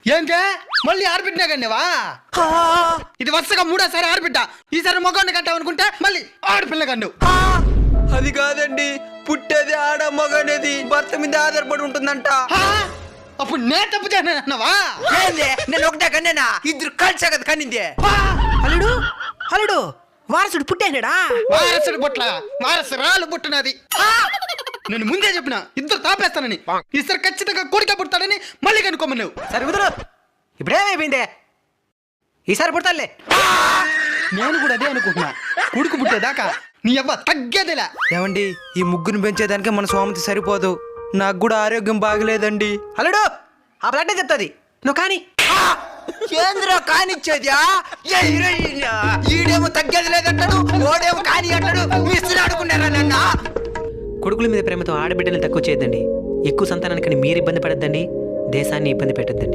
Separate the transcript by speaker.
Speaker 1: ఏంటే మళ్ళీ ఆడబిడ్డా కన్నావా? ఇది వరుసగా 3వ సారి ఆడబిడ్డ. ఈసారి మగవాడిని కంటావనుకుంటే మళ్ళీ ఆడపిల్ల కన్ను.
Speaker 2: అది కాదండి, పుట్టేది ఆడ మగనేది భర్త మీద ఆధారపడి ఉంటుందంట.
Speaker 1: అప్పుడు నేను తప్పు చేసినావా?
Speaker 2: నేను ఒకటే కన్నేనా? ఇద్దరు కలిసే కదా కన్నింది.
Speaker 3: అల్లుడు అల్లుడు వారసుడు పుట్టేనాడా?
Speaker 1: వారసుడు బుట్ల వారసురాలు పుట్టినది. నేను ముందే చెప్పిన ఇద్దరు తాపేస్తానని. ఈసారి ఖచ్చితంగా కొడుక పుడతాడని మళ్ళీ కనుక్కోమన్నావు.
Speaker 3: సరే కుదురు, ఇప్పుడేమైపోయిందే? ఈసారి పుడతాలే.
Speaker 1: నేను కూడా అదే అనుకుంటున్నా. కొడుకు పుట్టేదాకా నీ అవ్వ తగ్గేదిలా.
Speaker 2: ఏమండి, ఈ ముగ్గురు పెంచేదానికి మన స్వామితి సరిపోదు. నాకు కూడా ఆరోగ్యం బాగలేదండి.
Speaker 3: అల్లుడు ఆ బ్లడ్ చెప్తాది, నువ్వు కానీ.
Speaker 2: కేంద్ర కానిచ్చేదా? ఈడేమో తగ్గేది లేదంటాడు, ఓడేమో కాని అంటాడు. మిస్త్రి ఆడుకున్నారా నన్న?
Speaker 3: కొడుకుల మీద ప్రేమతో ఆడబిడ్డల్ని తక్కువ చేయొద్దండి. ఎక్కువ సంతానానికి మీరు ఇబ్బంది పడద్దండి, దేశాన్ని ఇబ్బంది పెట్టద్దండి.